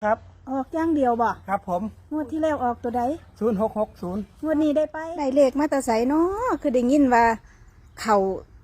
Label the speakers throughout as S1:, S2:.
S1: ครับ
S2: ออกอย่างเดียวบ่
S1: ครับผม
S2: งวดที่แล้วออกตัวใด
S1: 0660
S2: งวดนี้ได้ไปได้เลขมาแต่ไสเนาะคือได้ยินว่าเข้า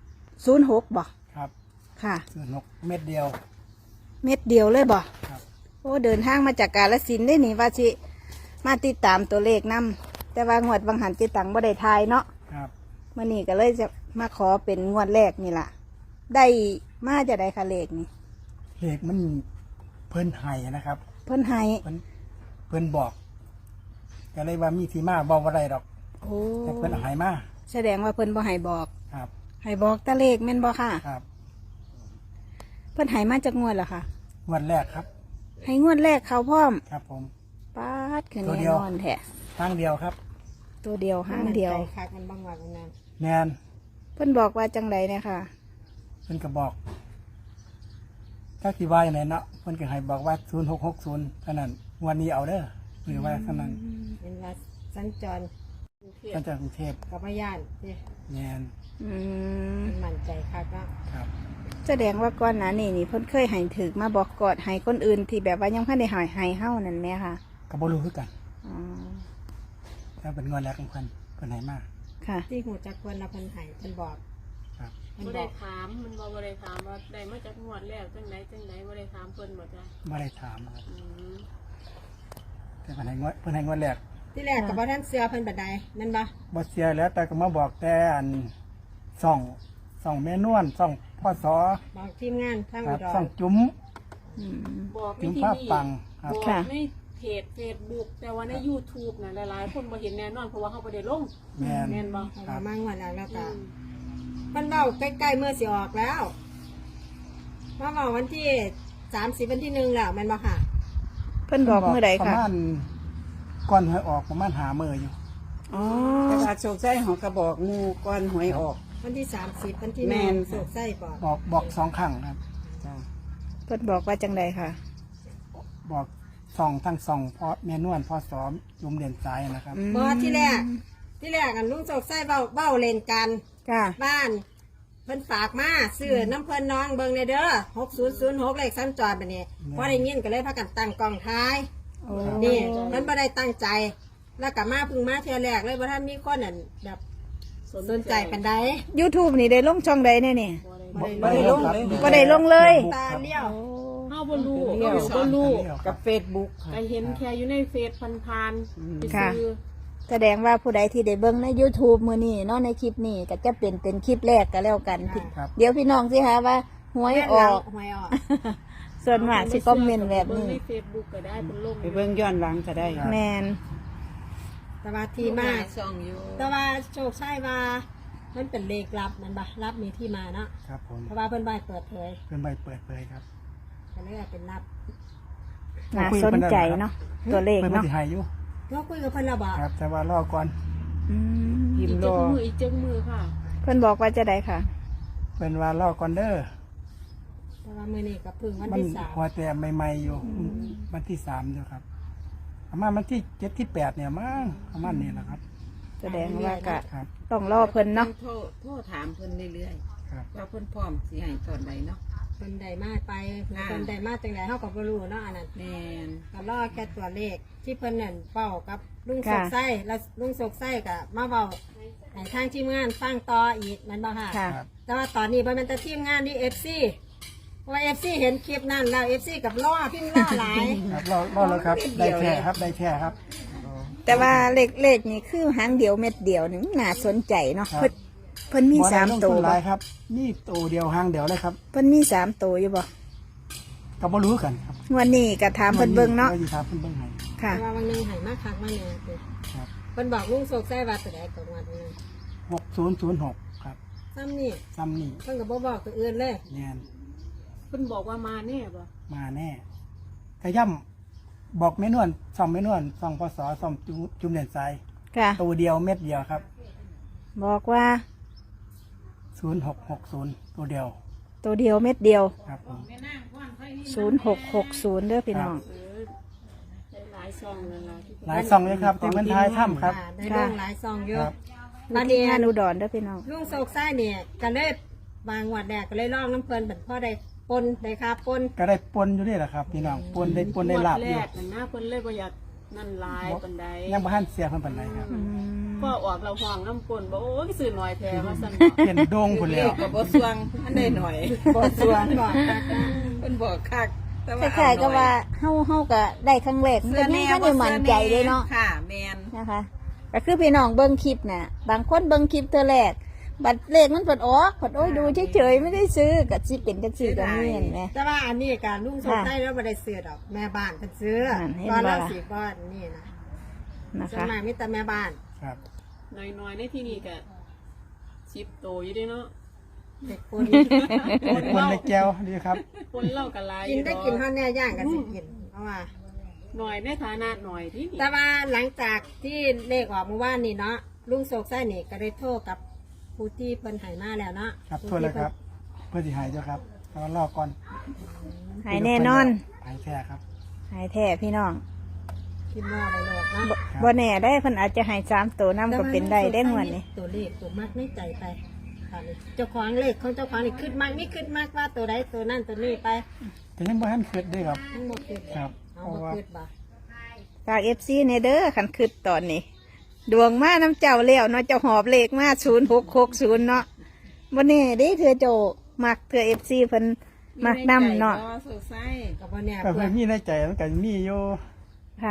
S2: 06บ่
S1: ครับ
S2: ค่ะ
S1: 06เม็ดเดียว
S2: เม็ดเดียวเลยบ่
S1: ครับ
S2: โอ้เดินทางมาจากกาฬสินธุ์ได้นี่ว่าสิมาติดตามตัวเลขนํแต่ว่างวดบางหันจิตังบ่ได้ทายเนาะ
S1: ครับ
S2: มื้อนี้ก็เลยจะมาขอเป็นงวดแรกนี่ล่ะได้มาจะได้ค่ะเลขนี่
S1: เลขมันเพิ่นไห้นะครับ
S2: เพิ่นให้
S1: เพิ่นบอกก็เลยว่ามีที่มาบอกว่าไรดอก
S2: โอ้
S1: แต่เพิ่นเอาใหายมา
S2: แสดงว่าเพิ่นบ่ให้บอก
S1: ครับ
S2: ให้บอกแต่เลขแม่นบ่ค่ะ
S1: ครับ
S2: เพิ่นให้มาจากงวดเหรอคะ
S1: งวดแรกครับ
S2: ให้งวดแรกเขาพร้อม
S1: ครับผม
S2: ปาดคือ
S1: ตัว
S2: แน่
S1: เดียวน
S2: อนแท้
S1: ทางเดียวครับ
S2: ตัวเดียวห้างเดียว
S3: ใจคักมันบางวันนั้น
S1: แนน
S2: เพิ่นบอกว่าจังไดเนี่ยค่ะ
S1: เพิ่นก็บอกถ้าที่ว่าอย่างไรเนาะเพิ่นก็ให้บอกว่า0660เท่านั้นงวันนี้เอาเด้อหรือว่าเท่านั้น
S3: เป็นว่าสัญจร
S1: ก็จากกรุงเทพ
S3: กับพยานที่
S1: แนน
S2: อืม
S3: มันมั่นใจคักเนาะ
S1: ครับ
S2: แสดงว่าก่อนหน้านี้นี่เพิ่นเคยให้ถึกมาบอกกอดให้คนอื่นที่แบบว่ายังเพิ่นได้ให้เฮานั่นแหมค่ะ
S1: ก็บ่รู้คือกัน
S2: อ๋อ
S1: ถ้าเป็นงวดแรกของเพิ่นให้มา
S2: ค่ะ
S3: ที่หูจักคนละเพิ่นให้เพิ่นบอก
S1: ครับ
S3: เพิ่น
S4: บ่
S3: บ
S4: ได้
S3: อก
S4: ถามมันบ่ได้ถามว่าได้มาจากงวดแล้วจังไหนบ่ได้ถามเพิ่นบ่จ้ะ
S1: ไม่ได้ถามครับ
S4: อืม
S1: แต่เพิ่นให้งวดแรก
S3: ที่แรกกับว่าท่านเสือเพิ่นบัดใดนั่นบ่
S1: บ่เสียแล้วแต่ก็มาบอกแต่อันส่องแม่นวลส่องพ่อสอ
S3: บอกทีมงานทาง
S1: ค
S3: อุ
S1: รับ
S3: ดร
S1: ส่องจุ๋ม
S2: อืม
S4: บอกใน
S1: จุ๋ม
S4: ที่
S1: ภาพ
S4: นี่
S1: ปังครับ
S4: บอก
S2: ค่ะ
S4: ในเพจ Facebook แต่ว่าใน YouTube น่ะหลายๆคนบ่เห็นแน่นอนเพราะว่าเขาบ่ได้ลง
S1: แม่น
S4: แม่นบ่
S3: เอามามางวดแล้วแล้ว
S4: อื
S3: ก็
S4: ม
S3: เพิ่นเว้าใกล้ๆเมื่อสิออกแล้วมาเว้าวันที่30วันที่1แล้วแม่นบ่ค่ะ
S2: เพิ่นบอกมื้อใด
S1: ประ
S2: ค่ะ
S1: มาณก่อนหวยออกประมาณหามื้ออยู่
S2: อ๋อ
S5: แต่ว่าโชคใจของกระบอกงูก้อนหวยออก
S3: วันที่30วันที่
S5: แม่น
S3: 1สุกไส้บอก
S1: บอก2ครั้งครับ
S2: เพิ่นบอกว่าจังไดค่ะ
S1: บอกส่องทั้งส่องพ่อแม่นวลพ่อสอจุ๋มเด่นสายนะครับ
S3: บ่ที่แรกอันลุงสุกไส้เว้าเล่นกัน
S2: ค่ะ
S3: บ้านเพิ่นฝากมาซื้อน้ำเพิ่นน้องเบิ่งในเด้อ6006เลขสัญจรบัดนี้พอได้ยินก็เลยพากันตั้งกล้องท้าย
S2: โอ้
S3: นี่เพิ่นบ่ได้ตั้งใจ แล้วก็มาเพิ่งมาเทื่อแรกเลยบ่ทันมีคนนั่นแบบสนใจปานใด
S2: YouTube นี่ได้ลงช่องใดแน่นี่
S4: บ่ได้
S5: บ่ได้ลงเลย
S2: บ่ได้ลงเลย
S3: ตาเลี้ยว
S4: เฮาบ่รู้
S5: เลี้ยว
S4: เฮาบ่รู้
S5: กับเฟซบุ๊ก
S4: ก็เห็นแค่อยู่ในเฟซผ่านๆไป
S2: ค่ะ
S4: ซื้อ
S2: แสดงว่าผู้ใดที่ได้เบิ่งใน YouTube มื้อนี้เนาะในคลิปนี้ก็จะเป็นคลิปแรกก็แล้วกันพี่
S1: ครับ
S2: เดี๋ยวพี่น้องสิคะว่าหวยออก
S3: หวยออก
S2: ส่วนมากสิคอมเมนต์แบบนี้
S4: เงใน Facebook ก็ได้เป็นลง
S5: ไปเบิ่งย้อนหลังก็ได้
S2: แมน
S3: แต่ว่าที่มา
S5: ช่องอยู่
S3: แต่ว่าโชคชัยว่ามันเป็นเลขลับมันบ่ลับมีที่มาเนาะ
S1: ครับผม
S3: เพราะว่าเพิ่นบ่ให้เปิดเผย
S1: เป็นใบเปิดเผยครับ
S3: ก็เลยว่าเป็นลับ
S2: น่าสนใจเนาะตัวเลข
S1: เพิ่น
S2: เนาะ
S1: สิให้อยู่
S3: เราคุยกับเพิ่นแล้วบ่
S1: ครับ แต่ว่ารอก่อน
S2: อืม
S5: พิมพ์รอ
S4: อีกจักมือค่ะ
S2: เพิ่นบอกว่าจะได้ค่ะ
S1: เป็นว่ารอก่อนเด้อ
S3: แต่ว่ามื้อนี้ก็เพิ่งวัน
S1: มัน
S3: ที่3
S1: หัวแต่ใหม่ๆอยู่วันที่3อยู่ครับประมาณวันที่7ที่8เนี่ยมั้งประมาณนี้แหละครับ
S2: แสดงว่าก็
S1: ครับ
S2: ต้องรอเพิ่นเนาะ
S5: โทรถามเพิ่นเรื่อย
S1: ครับ
S5: ๆว่าเพิ่นพร้อมสิให้ตอนใดเนาะ
S3: เพิ่นได้มาไปเพิ่นได้มาจังไดเฮาก็บ่รู้เนาะอันนั้น
S5: แม่น
S3: ก็รอแค่ตัวเลขที่เพิ่นนั่นเป้ากับลุงสกไส้แล้วลุงสกไส้ก็มาเว้าให้ทางทีมงานฟังต่ออีกแมันบ่ค่ะ
S2: ค่ะ
S1: ครับ
S3: แต่ว่าตอนนี้บ่แม่นแต่ทีมงานนี่ FC เพราะว่า FC เห็นคลิปนั้นแล้ว FC กับล้อพิมพ์ล้อหลาย
S1: ครับรอแล้วครับ ได้แค่ครับ ได้แค่ครับ
S2: แต่ว่าเลขนี่คือหางเดียวเม็ดเดียวนี่น่าสนใจเนาะ
S1: ครับ
S2: เพิ่นมี
S1: บ่ได้
S2: สาม
S1: ลง
S2: ตัว
S1: ห
S2: บ่
S1: ลายครับนี่ตัวเดียวหางเดียวเลยครับ
S2: เพิ่นมีสามตัวอยู่บ่
S1: ก็บ่รู้กันครับ
S2: งวันนี้ก็ถามเพิ่นเบิ่งเนาะ
S1: ดี๋ยวสิถามเพิ่นเบิ่งให้
S2: ค่ะ
S3: แต่ว่าวันหนึงให้มาคักมาเนี่ยคือ
S1: ครับ
S3: เพิ่นบอกลุงสกไส้ว่าตัวใดตัวงวดนึง
S1: 6006ครับ
S3: ซ้ำนี่
S1: ซ้ำนี่
S3: เพิ่นก็บ่บอกตัวอื่นเลย
S1: แน่น
S4: เพิ่นบอกว่ามาแน่บ่
S1: มาแน่ขย่ำบอกแม่นวลส่องแม่นวลส่องพศส่องจุ่มเด่นสาย
S2: ค่ะ
S1: ตัวเดียวเม็ดเดียวครับ
S2: บอกว่า
S1: 0660ตัวเดียว
S2: ตัวเดียวเม็ดเดียว
S1: ครับผม
S2: 0660เด้อพี่น้อง
S4: เออได้หลายซองนั่นล่ะที่เพิ่น
S1: หลายซองเลยครับที่เพิ่นทายถ้ำครับ
S3: ได้ลงหลายซองอยู่
S1: ครับ
S3: บัด
S2: ที่
S3: นี้
S2: งานอุดรเด้อพี่น้อง
S3: ลุงโศกไส้เนี่ยก็เลยบางวัดแดกก็เลยลองน้ำเพลินเป็นพ่อได้ปนได้ค่าปน
S1: ก็ได้ปนอยู่นี่แหละครับพี่น้องปนได้ปนได้ลาบ
S4: งวด
S1: อยู่
S4: แรกนั่นนะเพิ่นเลยบ่อยากนั่นหลายปานใด
S1: ยังบ่ทันเสียเพิ่นปานใดครับ
S4: ก็ออกเราห้องน้ำกลนบอกโอ้ยซื้อหน่อยแท้ว่าซั่น
S1: เห็นโด่งพุ่นแล้ว
S5: ก็บ่สวงอันใดหน่อย
S2: บ่สวง
S3: บอกค่ะ
S5: เพิ่นบอกคักแต่
S2: ค
S5: ว่า
S2: ล้ายๆก็ว่าเฮาก็ได้ครั้งแรกมัน
S5: เสื้
S2: ก็
S5: อ
S2: ยัง
S5: แน่
S2: บ่ได้มั่นใจเลยเนาะ
S5: ค่ะแมน
S2: นะคะก็คือพี่น้องเบิ่งคลิปน่ะบางคนเบิ่งคลิปเธอแรกบัตรเลขมันเปิดออกเปิดโอ้ยดูเฉยๆไม่ได้ซื้อก็สิเป็นจังซี่ก็มีเห็นไหม
S3: แต่ว่าอันนี้การลุงสดใสแล้วบ่ได้ซื้อดอกแม่บ้านเพิ่นซื้อ
S2: เห็น
S3: ตอน
S2: บ่
S3: เรา
S2: ล่ะ
S3: สิก้อนนี่นะ
S2: นะ
S3: ส่วน
S2: คะ
S3: มากมีแต่แม่บ้าน
S1: ครับ
S4: น้อยๆในที่นี่ก็10โตอยู่เด้เนาะ
S3: เด็กคน
S1: ปนในแก้วดีครับ
S4: คนเล่าก็หลาย
S3: กินได้กินเท่าแน่ย่างก็สิกินเพราะว่า
S4: หน่อยในฐานะหน่อยที่นี่
S3: แต่ว่าหลังจากที่เลขออกเมื่อวานนี่เนาะลุงโศกไส้นี่ก็ได้โทรกับผู้ที่เพิ่นใหายมาแล้วเนาะ
S1: ครับโทษแล้วครับ เพื่อที่หายเจ้าครับแต่ว่ารอก่อน
S2: หายแน่นอน
S1: หายแท้ครับ
S2: หายแท้พี่น้อง
S3: คิดว่าได้โลดเนาะ
S2: บ่แน่ได้เพิ่นอาจจะใหาย3ตัวนํก็เป็นได้ได้งวดนี้
S3: ตัวเลขตัวมากในใจไปค่ะนี่เจ้าของเลขของเจ้าของนี่ขึ้นมากนี่ขึ้นมากว่าตัวใดตัวนั่นตัวนี้ไป
S1: แต่ยังบ่ทันคิดเด้ครับ
S3: ทั้งหมดขึ้น
S1: ครับ
S3: เอา
S1: เพราะ
S3: มา
S1: ว่า
S3: ขึ้นบ่
S2: ฝาก FC ในเด้อคันคิดตอนนี้ ดวงมาน้ำเจ้าแล้วเนาะเจ้าหอบเลขมา0660เนาะบ่แน่เด้เธอโจมักเธอ FC เพิ่นมักนํเนาะ
S5: ก็สุกไส้
S3: กับวันเนี้ย
S1: ก็
S3: เพื่
S1: เพื่
S3: อ
S1: อนมีในใจมันก็มีอยู่
S2: ค่ะ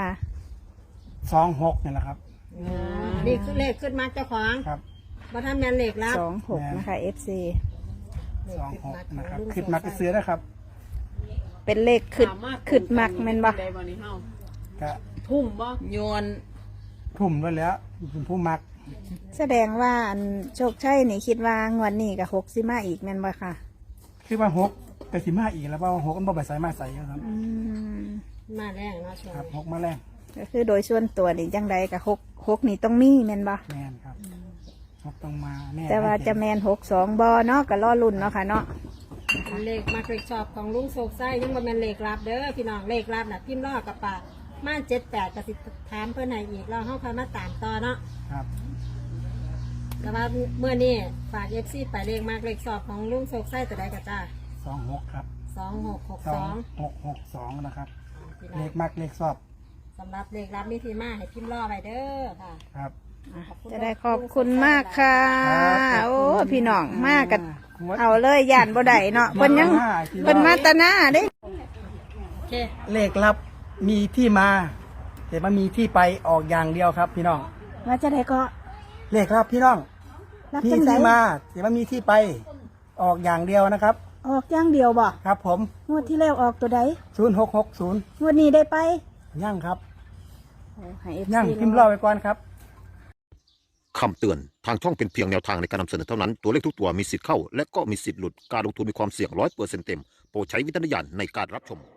S1: 26นี่แหละครับ
S3: นี่คือเลขขึ้นมากเจ้าของ
S1: ครับ
S3: บ่ทำแมนเลขแล้ว
S2: 26นะคะ FC
S1: 26นะครับคิดมักก็ซื้อนะครับ
S2: เป็นเลขขึ้นมักแม่นบ่
S4: ได้บ่นี่เฮา
S1: ก็
S4: ทุ่มบ่
S5: โยน
S1: ทุ่มไว้แล้วเป็นผู้มัก
S2: แสดงว่าอันโชคชัยนี่คิดว่างวดนี้กับ6สิมาอีกแม่นบ่ค่ะ
S1: คือว่า6ก็สิมาอีกแล้วเพราะว่า6มันบ่ไปใส่มาใส่ครับ
S2: อืม
S3: มาแรงเนาะช่วง
S1: ครับ
S3: นี้
S1: 6มาแรง
S2: ก็คือโดยส่วนตัวนี่จังใดกับ6นี่ต้องมีแม่นบ่
S1: แม่นครับ6ต้องมาแน่
S2: แต่ว่าจะแม่น62บ่เนาะก็รอลุ้นเนาะค่ะเนาะ
S3: เลขมากเลขชอบของลุงโศกไส้ยังบ่แม่นเลขลับเด้อพี่น้องเลขลับน่ะพิมพ์รอกับปากมา78ก็สิถามเพิ่นให้อีกแล้วเฮาค่อยมาตามต่อเนาะ
S1: ครับ
S3: แต่ว่าเมื่อนี้ฝาก FC ไปเลขมากเลขชอบของลุงโศกไส้ตัวใดก็จ้า
S1: 26ครับ
S3: 2662
S1: 2662นะครับ
S3: พี่
S1: เล
S3: น้อง
S1: ขมักเลขชอบ
S3: สำหรับเลขลับมีที่มาให้พิมพ์รอไว้เด้อค่ะ
S1: ครับ
S2: จะได้ขอบคุณมากค่ะ
S1: ครับ
S2: โอ้พี่น้องมากกันเอาเลยย่านบ่ได้เนาะเพิ่นยังเพิ่นมาแตะหน้าเด้
S3: โอเค
S1: เลขลับมีที่มาแต่มันมีที่ไปออกอย่างเดียวครับ พี่น้อง
S2: ว่าจะได้ก็
S1: เลขลับพี่น้อง
S2: รับ
S1: มี
S2: จังได
S1: ที่มาแต่มันมีที่ไปออกอย่างเดียวนะครับ
S2: ออกอย่างเดียวบ่
S1: ครับผม
S2: งวดที่แล้วออกตัวใด
S1: 0660
S2: งวดนี้ได้ไป
S1: ย่างครับ
S2: โอ้ให้ FC
S1: ย่างพิมพ์รอไว้ก่อนครับ
S6: คำเตือน ทางช่องเป็นเพียงแนวทางในการนำเสนอเท่านั้น ตัวเลขทุกตัวมีสิทธิ์เข้า และก็มีสิทธิ์หลุด การลงทุนมีความเสี่ยง100%เต็ม โปรดใช้วิจารณญาณในการรับชม